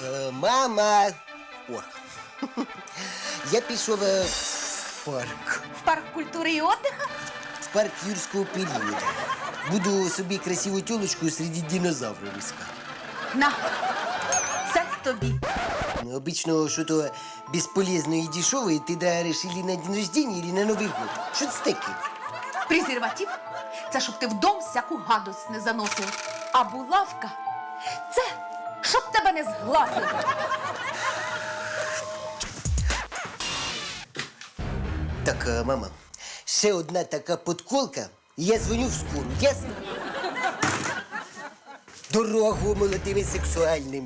Мама! О, я пішов в парк. В парк культури і отдиха? В парк юрського періоду. Буду собі красиву тілочку серед динозаврів іскати. На, це тобі. Ну, обично, що-то безполезно і дешеве ти дариш или на день рождения, или на Новий год. Що це таке? Презерватив – це щоб ти в дом всяку гадость не заносив. А булавка – це щоб тебе не згласили. Так, мама, ще одна така подколка, і я дзвоню в скору, ясно? Дорогу молодим і сексуальним.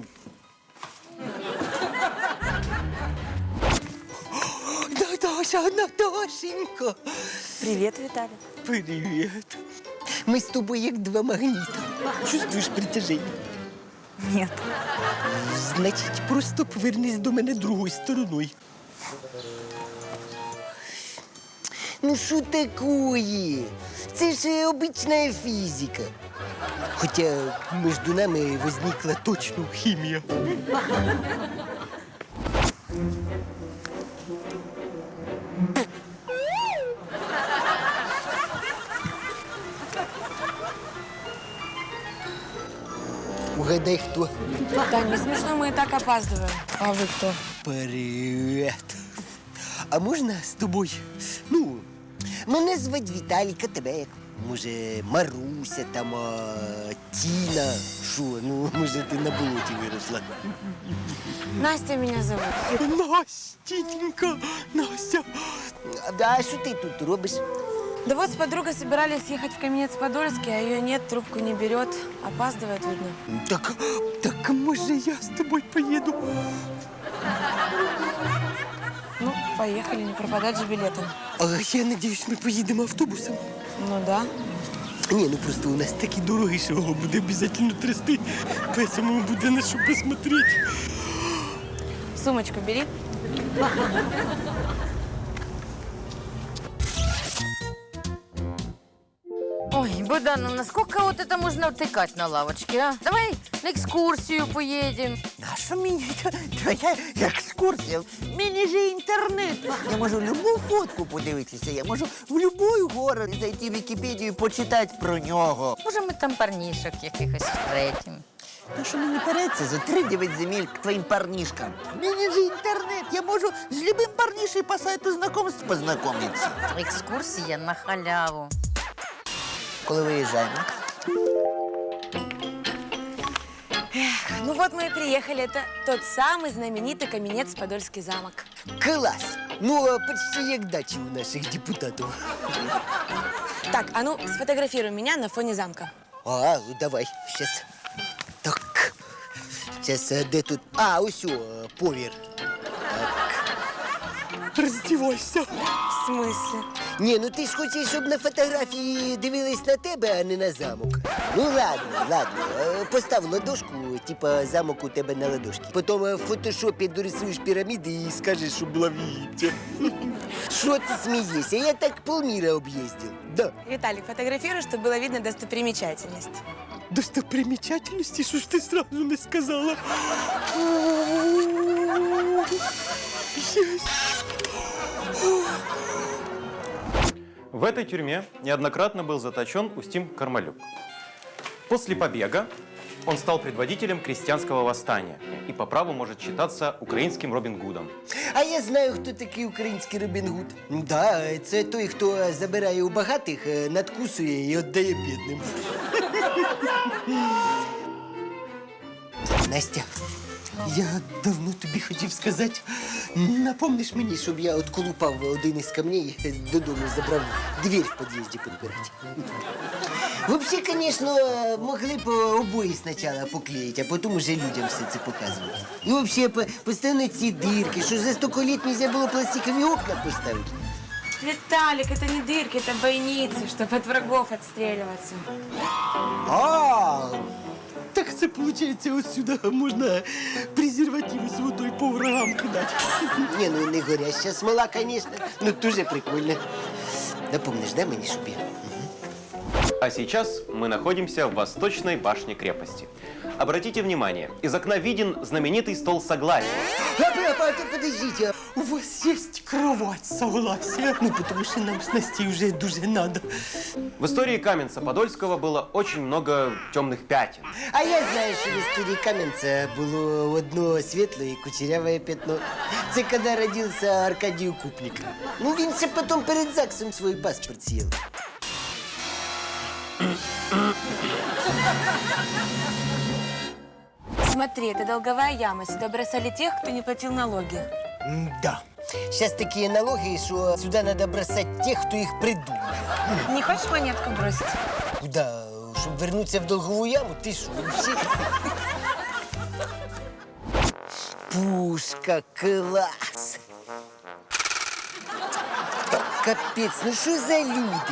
Наташенька! Привет, Виталий. Привіт. Ми з тобою як два магніта. Чувствуєш притяження? Нет. Значить, просто повернись до мене другою стороною. Ну що такое? Це ж обична фізика. Хоча між нами возникла точно хімія. Угадай, хто? Тань, не смешно, мы и так опаздываем. А вы кто? Привіт. А можна з тобою? Ну, мене звати Віталіка, тебе як? Може, Маруся, там, Тіна. Що, ну, може, ти на болоті виросла? Настя меня зовут. Настенька, Настя. А що ти тут робиш? Да вот с подругой собирались ехать в Каменец-Подольский, а ее нет, трубку не берет. Опаздывает, видно. Так, може, я з тобою поїду? Ну, поехали, не пропадать же билетом. А я надіюсь, ми поїдемо автобусом. Ну да. Ні, ну просто у нас такі дороги, що його буде обов'язково трясти. Поэтому буде на що посмотрети. Сумочку бери. Ой, Богдан, ну насколько вот это можно втыкать на лавочке, а? Давай на экскурсию поедем. А що мені твоя екскурсія? Мені же інтернет. Я можу любу фотку подивитися, я можу в любой город зайти в Вікіпедію і почитати про нього. Може, ми там парнішок якихось встретим. Та що мені переться за 3-9 земель к твоїм парнішкам? Мені же інтернет, я можу з любим парнішем по сайту знакомств познайомитися. Екскурсія на халяву. Коли виїжджаємо? Ну вот мы и приехали. Это тот самый знаменитый Каменец-Подольский замок. Клас! Ну, почти як дачі у наших депутатів. Так, а ну сфотографируй меня на фоне замка. А, ну давай, щас. Так. Щас, де тут? А, ось о, повір. Так. Роздівайся. В смысле? Ні, ну ти ж хочеш, щоб на фотографії дивились на тебе, а не на замок. Ну ладно. Постав ладошку, типа замок у тебе на ладошці. Потім в фотошопі дорисуєш піраміди і скажеш, що була в Єгипті. Що ти смієшся? Я так полміра об'їздив. Да. Виталик, фотографируй, чтобы было видно достопримечательность. Достопримечательности? Що ж ти сразу не сказала? В этой тюрьме неоднократно был заточен Устим Кармалюк. После побега он стал предводителем крестьянского восстания и по праву может считаться украинским Робин Гудом. А я знаю, хто такий український Робін Гуд. Да, це той, хто забирає у багатих, надкусує і віддає бідним. Настя, я давно тобі хотів сказати, напомниш мені, щоб я отколупав один із камней, додому забрав двір в під'їзді підбирати. Взагалі, звісно, могли б обої спочатку поклеїти, а потім уже людям все це показувати. І взагалі, постійно ці дирки, що за 100 літ не можна було пластикові окна поставити. Виталик, это не дырки, это бойницы, чтобы от врагов отстреливаться. А, так це, виходить, ось сюди можна презервативи з водою по врагам кидати. Ні, ну не горяща смола, звісно, ну дуже прикольно. Напомниш, да, мені, щоб я? А сейчас мы находимся в восточной башне крепости. Обратите внимание, из окна виден знаменитый стол согласия. Подождите, у вас есть кровать согласия? Ну, потому что нам с Настей уже дуже надо. В истории Каменца-Подольского было очень много темных пятен. А я знаю, що в історії Кам'янця було одно світле і кучеряве пятно. Це коли родився Аркадій Укупник. Ну, він ще потім перед ЗАГСом свій паспорт з'їв. Смотри, это долговая яма. Сюда бросали тех, кто не платил налоги. Да. Сейчас такие налоги, что сюда надо бросать тех, кто их придумал. Не хочешь монетку бросить? Куда? Чтобы вернуться в долговую яму? Ты что, вообще? Пушка, класс! Капец, ну что за люди?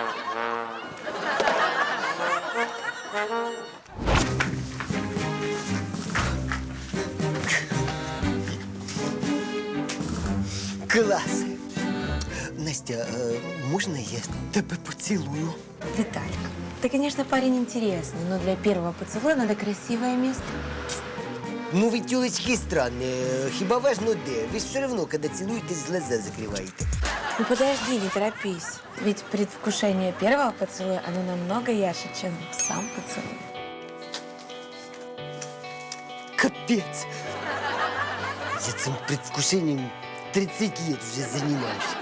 Класс! Настя, можно я тебя поцелую? Виталик, ты, конечно, парень интересный, но для первого поцелуя надо красивое место. Ну, вы, тёлочки, странные. Хиба важно де. Вы все равно, когда целуетесь, глаза закрываете. Ну подожди, не торопись. Ведь предвкушение первого поцелуя, оно намного ярче, чем сам поцелуй. Капец! Я этим предвкушением 30 лет уже занимаюсь.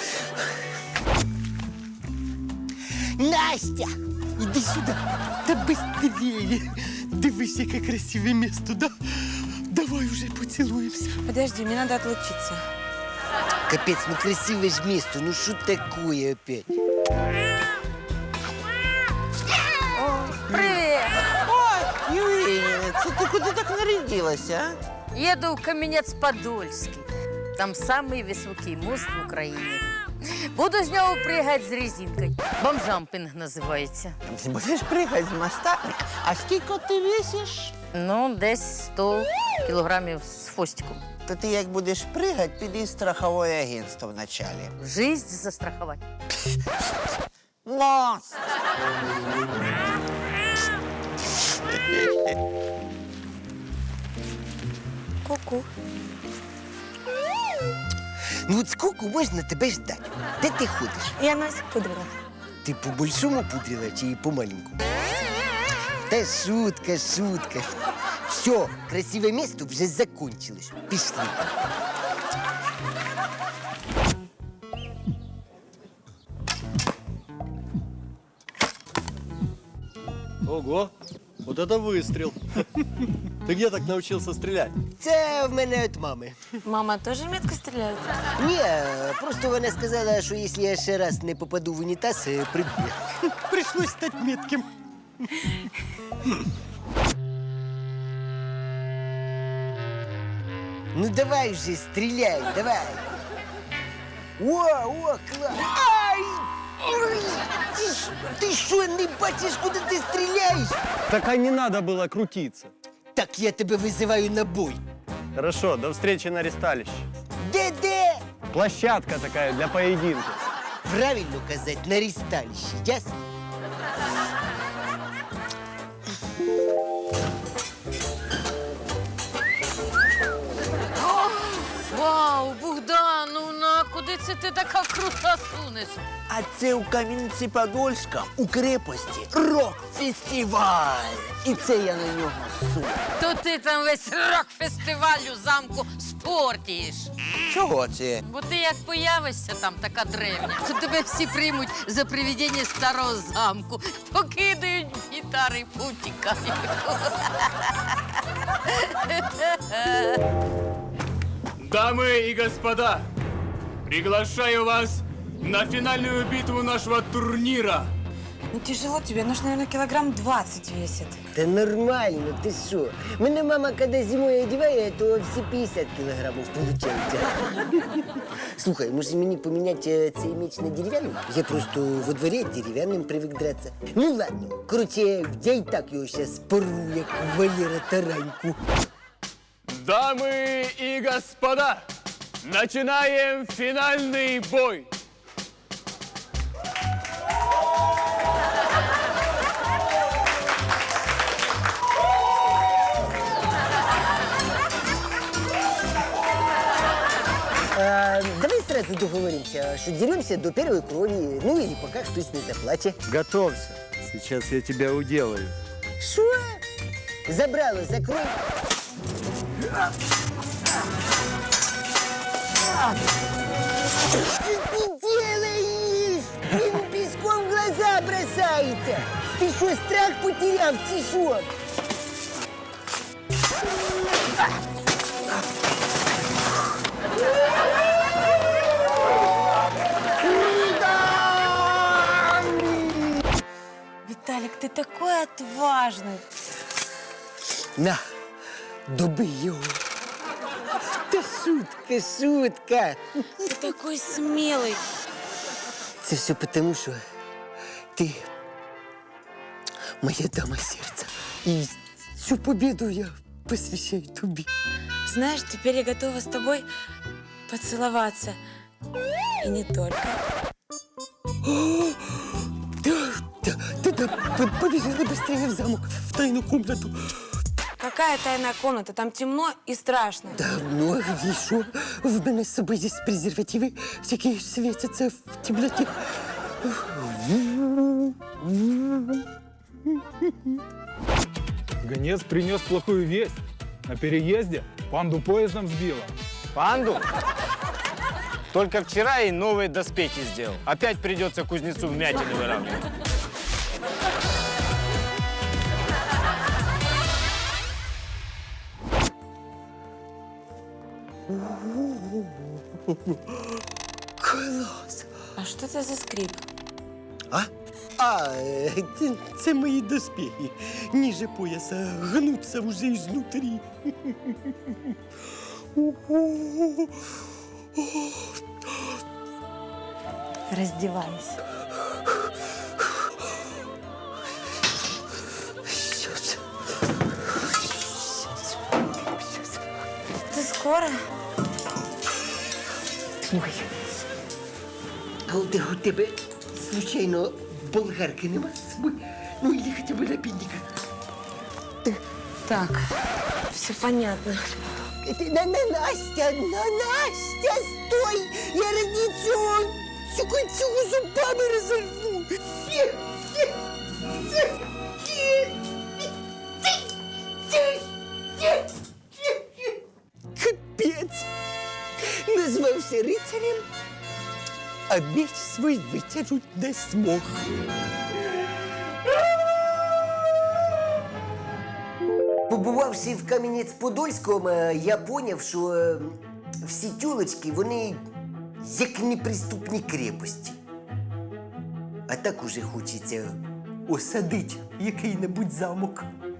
Настя! Иди сюда! Да быстрее! Дивись, яке красиве место, да? Давай уже поцелуемся. Подожди, мне надо отлучиться. Капец, ну красивое ж место, ну что такое опять? Привет! Ой, Юрій, це ти куди так нарядилася, а? Еду в Каменец-Подольский. Там самый высокий мост в Украине. Буду з нього пригати з резинкою. Бомжампінг називається. Ти будеш пригати з моста? А скільки ти весиш? Ну, десь 100 кілограмів з хвостиком. То ти як будеш пригати, піди в страхове агентство вначалі. Жизнь застрахувати. Мост! Ку-ку. Ну вот сколько можно тебя ждать? Где ты ходишь? Я носик пудрила. Ты по большому пудрила или по маленькому? Да шутка, шутка. Все, красивое место уже закончилось. Пішли. Ого, вот это выстрел. Ты где так научился стрелять? Це в мене від мами. Мама тоже метко стреляет? Ні, просто вона сказала, що якщо я ще раз не попаду в унітаз, приб'є. Прийшлось стати метким. Ну давай вже, стріляй, давай. О, клас. Ай! Ой, ти що, не бачиш, куди ти стріляєш? Так а не надо было крутиться. Так я тебе визиваю на бой. Хорошо, до встречи на ресталище. Де? Площадка такая для поединка. Правильно казати, на ресталище, ясно? Вау, Богдановна, куди це ти така крута сунеш? А це у Кам'янці-Подольська, у крепості, рок-фестиваль. І це я на нього су. То ти там весь рок-фестиваль у замку спортіш. Чого це? Бо ти як появишся там така древня, то тебе всі приймуть за привидіння старого замку, покидають гітари і повтікають. Дамы и господа, приглашаю вас на финальную битву нашего турнира. Ну тяжело тебе, нужно, наверное, килограмм 20 весит. Та нормально, ти що? Мене мама, коли зимою одягає, то всі 50 кілограмів виходить. Слухай, може мені поміняти цей меч на дерев'яний? Я просто во дворі дерев'яним привик драться. Ну ладно, короче, я і так його зараз порву, як Валера Тараньку. Дамы и господа, начинаем финальный бой. сразу договоримся, что деремся до первой крови, ну или пока хтось не заплаче. Готовься. Сейчас я тебя уделаю. Что? Забрало, закрой. Что ты делаешь? Ему песком в глаза бросается. Ты что, страх потерял, тишок? Виталик, ты такой отважный. На, добий його. Та шутка, шутка. Ты такой смелый. Це все потому, що ти моя дама сердца. І цю победу я посвящаю тобі. Знаешь, теперь я готова с тобой поцеловаться. И не только. Да, побежали быстрее в замок, в тайную комнату. Какая тайная комната? Там темно и страшно. Да, ну а где еще? В мене з собою здесь презервативы, всякие светятся в темноте. Гонец принес плохую весть. На переезде панду поездом сбила. Панду? Только вчера ей новые доспехи сделал. Опять придется кузнецу вмятины выравнивать. Клас! А что это за скрип? Це мої доспехи. Ниже пояса гнуться уже изнутри. Раздевайся. Сейчас. Ты скоро? Слухай, а у тебе случайно болгарки нема з собою? Ну, или хотя бы напильника. Так, все понятно. Настя, Настя, стой! Я ради цього зубами розорву. Капець! Назвався рицарем, а меч свій витягнуть не змог. Побувавши в Кам'янець-Подольському, я поняв, що всі тюлочки, вони як неприступні крепості. А так уже хочеться осадити який-небудь замок.